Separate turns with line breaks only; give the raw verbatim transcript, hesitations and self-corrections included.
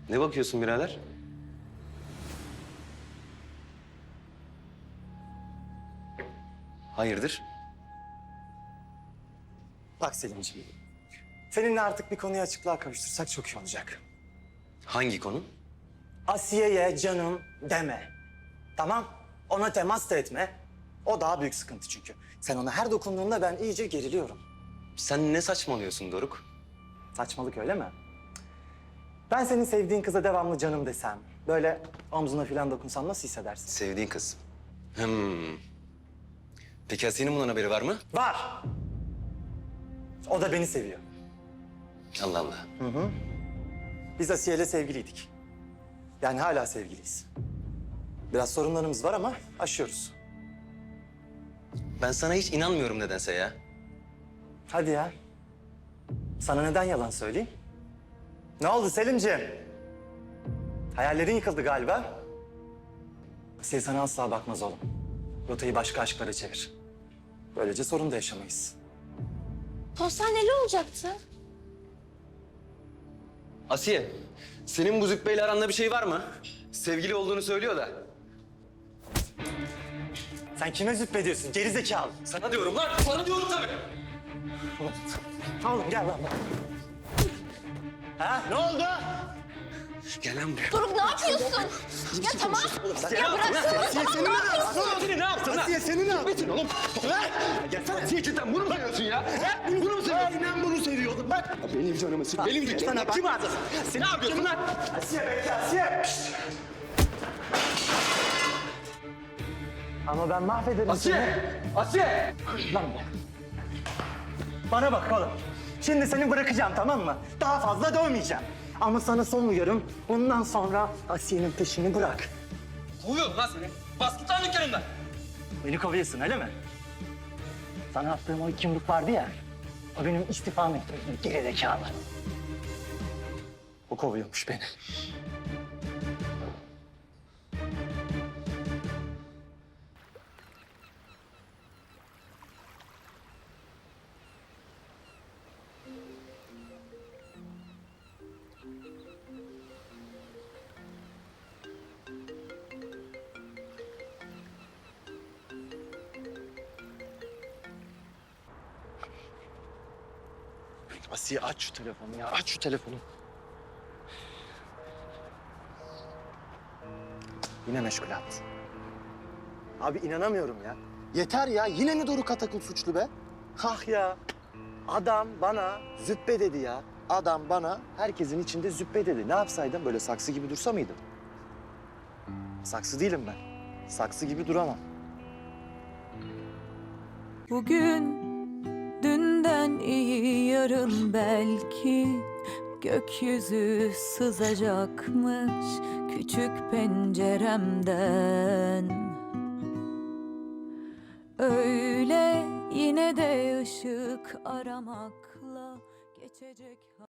Ne bakıyorsun birader? Hayırdır?
Bak Selimciğim, seninle artık bir konuyu açıklığa kavuştursak çok iyi olacak.
Hangi konu?
Asiye'ye canım deme. Tamam? Ona temas da etme. O daha büyük sıkıntı çünkü. Sen ona her dokunduğunda ben iyice geriliyorum.
Sen ne saçmalıyorsun Doruk?
Saçmalık öyle mi? Ben senin sevdiğin kıza devamlı canım desem, böyle omzuna falan dokunsam nasıl hissedersin?
Sevdiğin kız. Hmm. Peki Asiye'nin bundan haberi var mı?
Var. O da beni seviyor.
Allah Allah.
Biz Asiye'yle sevgiliydik. Yani hala sevgiliyiz. Biraz sorunlarımız var ama aşıyoruz.
Ben sana hiç inanmıyorum nedense ya.
Hadi ya. Sana neden yalan söyleyeyim? Ne oldu Selimciğim? Hayallerin yıkıldı galiba. Asiye sana asla bakmaz oğlum. Rotayı başka aşklara çevir. Böylece sorun da yaşamayız.
Postaneli olacaktı.
Asiye, senin bu Zübbe'yle aranda bir şey var mı? Sevgili olduğunu söylüyor da.
Sen kime züppediyorsun gerizekalı?
Sana diyorum lan, sana diyorum tabii.
Oğlum gel lan. Ha ne oldu?
Gel lan buraya.
Doruk ne yapıyorsun? Ya tamam. Ya bıraksana.
Asiye senin ne yaptın?
Asiye ne yaptın lan?
Asiye senin ne yaptın?
Metin oğlum. Gelsene. Asiye cidden bunu mu seviyorsun ya? He? Bunu mu seviyorsun?
Aynen bunu seviyordum bak.
Benim canımı sık, benim
Asiye,
canımı.
sana bak.
Kim ağzı? Ne yapıyorsun lan?
Asiye bekle Asiye. Ama ben mahvederim
Asiye! Asiye!
seni. Lan be. Bana bak oğlum. Şimdi seni bırakacağım tamam mı? Daha fazla dövmeyeceğim. Ama sana son uyarım. Bundan sonra Asiye'nin peşini bırak.
Kovuyorum lan seni. Bas git lan dükkanımdan.
Beni kovuyorsun öyle mi? Sana attığım o iki yumruk vardı ya. O benim istifam ettiğim gerizekalı. O kovuyormuş beni. Asiye aç şu telefonu ya. Aç şu telefonu. Yine meşgul attı. Abi inanamıyorum ya. Yeter ya. Yine mi Doruk Atakul suçlu be? Ah ya. Adam bana züppe dedi ya. Adam bana herkesin içinde züppe dedi. Ne yapsaydım? Böyle saksı gibi dursa mıydım? Saksı değilim ben. Saksı gibi duramam.
Bugün dünden iyi yarın belki gökyüzü sızacakmış küçük penceremden. Öyle yine de ışık aramakla geçecek.